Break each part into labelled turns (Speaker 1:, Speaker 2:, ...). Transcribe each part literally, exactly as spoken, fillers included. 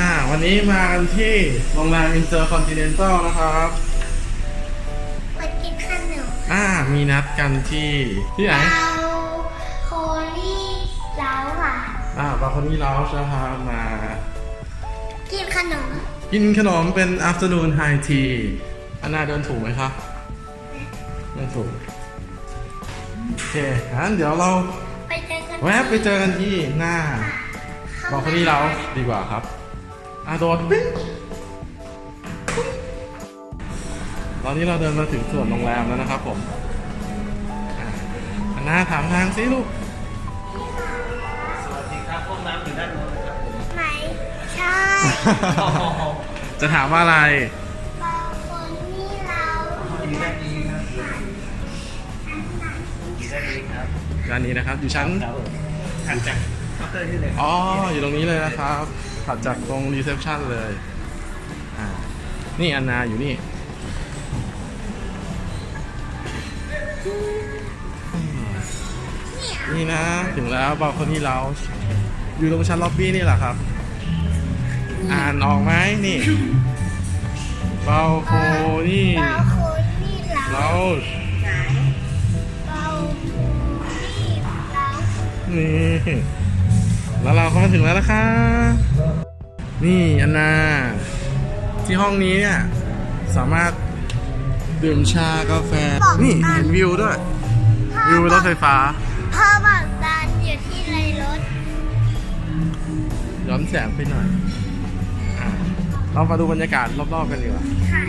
Speaker 1: วันนี้มากันที่โรงแรมอินเตอร์คอนติเนนตัลนะครับ
Speaker 2: มากินขนม
Speaker 1: อ่ามีนัดกันที่ที่ไหน
Speaker 2: เราโคลี่เล้าค่ะ
Speaker 1: อ่าบาร์โคนี่เล้าใช่ครับมา
Speaker 2: กินขนม
Speaker 1: กินขนมเป็น afternoon high tea อันน่าเดินถูกไหมครับเดินถูกโอเคงั้นเดี๋ยวเรา
Speaker 2: ไปเจอกัน
Speaker 1: แวะไปเจอกันที่หน้าบาร์โคนี่เล้าดีกว่าครับอ่ะโดดปิ๊งตอนนี้เราเดินมาถึงส่วนโรงแรมแล้วนะครับผมอันน่าถามทางสิลูก
Speaker 3: สวัสดีครับห้องน้ำอยู่ด้านโน้นนะครับผม
Speaker 2: ไหนใช่
Speaker 1: จะถามว่าอะไร
Speaker 2: บาร์โคนี่เล้า
Speaker 3: อยู่ด้านนี้ครับอยู่ด้านนี้ครับ
Speaker 1: ด้านนี้นะครับอยู่ชั้น
Speaker 3: ถัดจากเคาน์เตอร์ที่เลย
Speaker 1: อ๋ออยู่ตรงนี้เลยนะครับถัดจากตรงรีเซพชันเลยอ่านี่อันนาอยู่นี่นี่นะถึงแล้วบาร์โคนี่เล้าอยู่ตรงชั้นล็อบบี้นี่แหละครับอ่านออกไหมนี่บาร์โคนี่
Speaker 2: บาร์โคนี่เล้า
Speaker 1: เล้า
Speaker 2: บาร์โคนี่เล้า
Speaker 1: นี่แล้วเราก็มาถึงแล้วนะคะนี่อันนาที่ห้องนี้เนี่ยสามารถดื่มชากาแฟนี่เห็นวิวด้วยวิวรถไฟฟ้า
Speaker 2: พ่อบอกดันอยู่ที่ไรรถ
Speaker 1: ย้อนแสงไปหน่อยอ่ะเรามาดูบรรยากาศรอบๆกันดีกว่า
Speaker 2: ค่ะ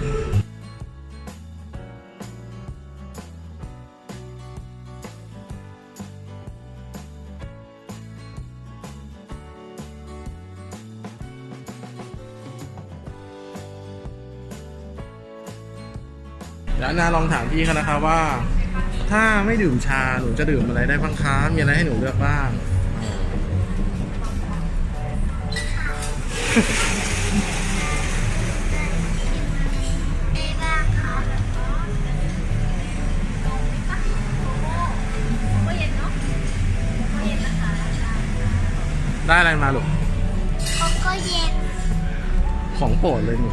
Speaker 1: เดี๋ยวนาลองถามพี่เขานะครับว่าถ้าไม่ดื่มชาหนูจะดื่มอะไรได้บ้างคะมีอะไรให้หนูเลือกบ้างได้อะไรมาลูก
Speaker 2: โกโก้เย็น
Speaker 1: ของโปรดเลยหนู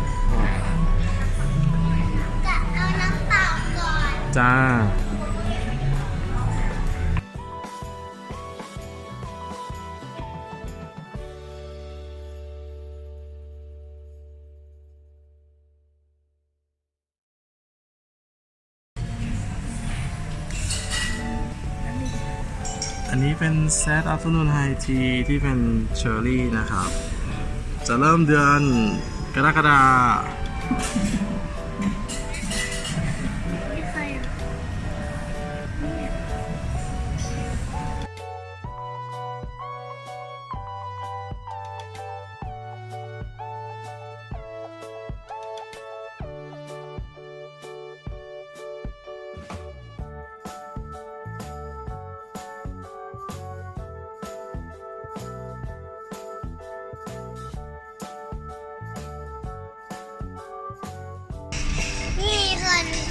Speaker 2: จะเอาน้ำเปล่าก่อน
Speaker 1: จ้าอันนี้เป็นเซต Afternoon High Tea ที่เป็นเชอร์รี่นะครับจะเริ่มเดือนกรกฎาคม
Speaker 2: นี่คน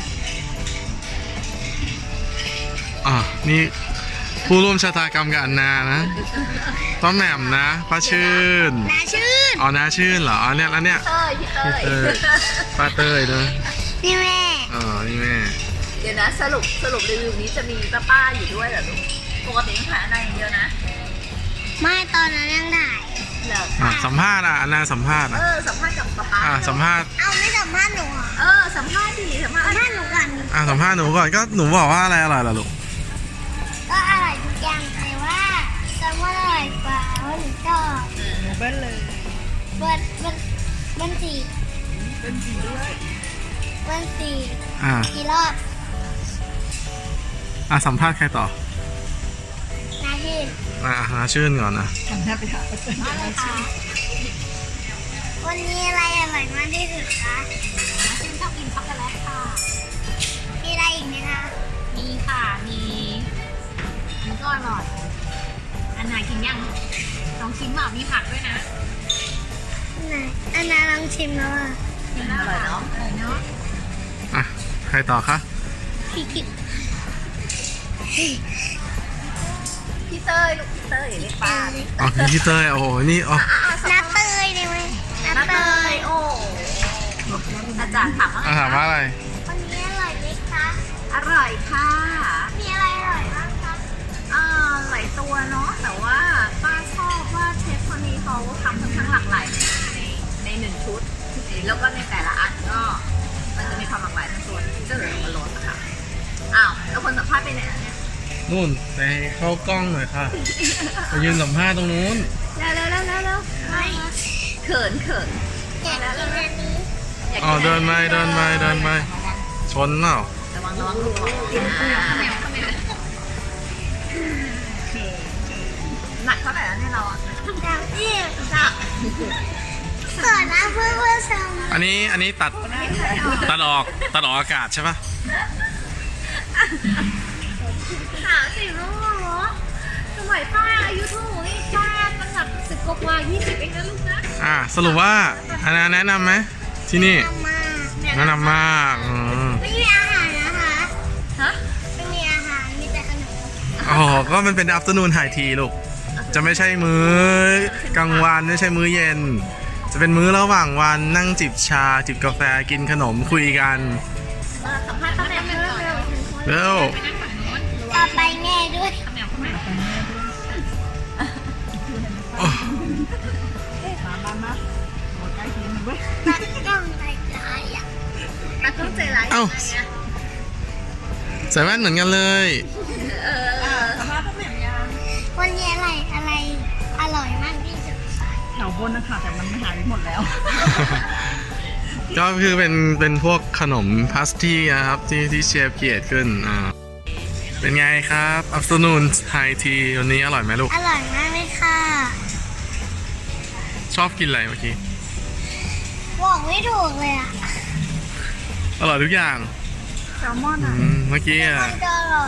Speaker 1: อ่ะนี่ผู้ร่วมชะตากรรมกับอันนานะต้อมแหม่มนะป้าชื่น
Speaker 2: น้าชื่น
Speaker 1: อ๋อน้าชื่นเหรออ๋อเนี่ยแล้วเนี่ย
Speaker 4: เต้ยพี่เต้ย
Speaker 1: ป้าเต้ยด้วย
Speaker 2: นี่แม่
Speaker 1: อ๋อนี่แม่
Speaker 4: เดี๋ยวนะสรุปสรุปรีวิวนี้จะมีป้าป้าอยู่ด้วยเหรอลูกปกติต้องถ่ายอะไรอย่างเดียวนะ
Speaker 2: ไม่ตอนนั้นยังถ่าย
Speaker 4: เหรอ
Speaker 1: อ่ะสัมภาษณ์อ่ะอันนาสัมภาษณ์อ่ะ
Speaker 4: เออสัมภาษณ์กับป้าป้า
Speaker 1: อ่ะสัมภาษณ์
Speaker 2: เอาไม่สัมภาษณ์หนู
Speaker 4: เออสัมภาษณ์ดิสัมภาษณ์
Speaker 2: สัมภาษณ์หนูก่อน
Speaker 1: อ่ะสัมภาษณ์หนูก่อนก็หนูบอกว่าอะไรอร่อยล่ะลูก
Speaker 2: ก็อร่อยทุกอย่างแต่ว่าแซลมอนอร่อยกว่าเพราะหนูชอบ
Speaker 4: เบิ้ลเลย
Speaker 2: เบิ้ลเบิ้ลเบิ้ลสี่
Speaker 4: เบิ้ลสี่ด้วย
Speaker 2: เบิ้ลสี่
Speaker 1: อ่ะ
Speaker 2: กี่รอบ
Speaker 1: อ่ะสัมภาษณ์ใครต่อ
Speaker 2: นาชื่น
Speaker 1: อ่ะนาชื่นก่อนนะ
Speaker 4: สัมภาษณ์ไปหา
Speaker 2: วันนี้อะไรอร่อยมากที่สุดคะ
Speaker 4: นาชื่นชอบกินช็อกโกแลตค่ะ
Speaker 2: มีอะไรอีกไหมคะ
Speaker 4: มีค่ะมีมันก็อร่อยอันไหนกินยังลองชิมเปล่ามีผักด้วยนะ
Speaker 2: ไหนอันนั้นลองชิมแล้วอ่ะ
Speaker 4: อร่อยเนาะอร่อยเนาะ
Speaker 1: อ่ะใครต่อคะ
Speaker 2: พี่กิ๊ก
Speaker 4: พี่เต้ยลูกพี่เต้ยเรียกป้า
Speaker 1: อ๋อพี่เต้ยโอ้โหนี่อ๋อ
Speaker 2: น้าเต้ยดิได้ไหม
Speaker 4: น้าเตยโอ้อาจารย์ถามว่า
Speaker 1: อ่ะถามว่าอะไร
Speaker 2: วันนี้อร่อยไหมคะ
Speaker 4: อร่อยค่ะ
Speaker 2: มีอะไรอร่อยบ้างคะ
Speaker 4: อ่าหลายตัวเนาะแต่ว่าป้าชอบว่าเชฟคนนี้เขาทำค่อนข้างหลากหลายในในหนึ่งชุดแล้วก็ในแต่ละอันก็มันจะมีความหลากหลายทั้งตัวที่จะเหลือมาลดนะคะอ้าวแล้วคนสัมภาษณ์ไปไหนแล้วเนี่ย
Speaker 1: นู่นไปเข้ากล้องหน่อยค่ะไปยืนสัมภาษณ์ตรงนู้น
Speaker 4: เร็วเร็วเร็วเร็วเร็วไม่เขินเขิน
Speaker 2: อยากกินอันนี้
Speaker 4: อยาก
Speaker 1: อ๋อเดินไปเดินไปเดินไปชนเปล่า
Speaker 4: ระวังระวังระวังหนักเท่าไหร่แล้วเนี่ยเราอ่ะ
Speaker 2: อยากกินจ้ะเกิดนะเพื่อนเพื่อนชม
Speaker 1: อันนี้อันนี้ตัดตัดออกตัดออกอากาศใช่ปะ
Speaker 4: สามสิบแล้วเหรอสมัยป้าอายุเท่าไหร่ป้าตั้งแต่สิบกว่ายี่สิบเองนะลูกนะ
Speaker 1: อ่ะสรุปว่าอันนั้นแนะนำไหมที่นี่
Speaker 2: ทำมา
Speaker 1: แนะนำมากอืม
Speaker 2: ไม่มีอาหารนะคะ
Speaker 4: ฮะ
Speaker 2: ไม่มีอาหารมีแต่ขนม
Speaker 1: อ๋อก็มันเป็น afternoon high tea ลูกจะไม่ใช่มื้อกลางวันไม่ใช่มื้อเย็น จะเป็นมื้อระหว่างวันนั่งจิบชา จิบกาแฟกินขนมคุยกัน
Speaker 4: มาสัมภาษณ์ป้าแหม่มเร็วเร็ว
Speaker 1: เร็ว
Speaker 4: ไปนั่งฝั่งโน้น
Speaker 2: ต่อไปแง่ด้วย
Speaker 4: ป้าแหม่มป้าแหม่ม
Speaker 2: ตัดกล้องใจร้ายอ่ะ
Speaker 4: นักต้องใจร้าย
Speaker 1: เอ้า
Speaker 4: ยังไงอะ
Speaker 1: ใส่แว่นเหมือนกันเลย
Speaker 4: เออสัมภาษณ์ป้าแหม่มยัง
Speaker 2: วันนี้อะไรอะไรอร่อยมากที่สุด
Speaker 5: แถวบนนะคะแต่มันหายไปหมดแล้ว
Speaker 1: ก็คือเป็นเป็นพวกขนมพาสตี้นะครับที่ที่เชฟเกียรขึ้นอ่าเป็นไงครับ afternoon high tea วันนี้อร่อยไหมลูก
Speaker 2: อร่อยมากเลยค่ะ
Speaker 1: ชอบกินอะไรเมื่อกี้
Speaker 2: บอกไม่ถูกเลยอ่ะ
Speaker 1: อร่อยทุกอย่าง
Speaker 5: แซลมอน
Speaker 1: อื
Speaker 5: อ่ะ
Speaker 1: มเมื่อกี้อ่ะ
Speaker 2: มันก็อร่อย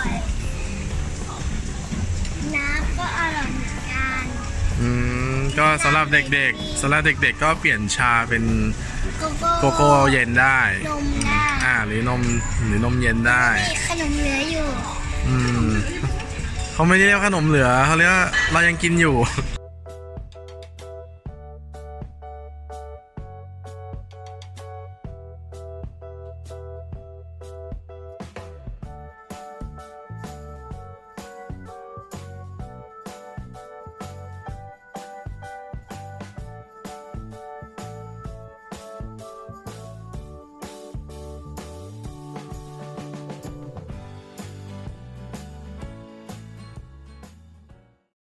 Speaker 2: น้ำก็อร่อยเหมือนกัน
Speaker 1: อืมก็สำหรับเด็กๆสำหรับเด็กๆ ก็เปลี่ยนชาเป็น
Speaker 2: โกโก้
Speaker 1: โกโก้เย็นได้
Speaker 2: นมได้
Speaker 1: อ่าหรือนมหรือนมเย็นได้
Speaker 2: มีขนมเหลืออยู่
Speaker 1: อืมเขาไม่ได้เรียกขนมเหลือเขาเรียกว่าเรายังกินอยู่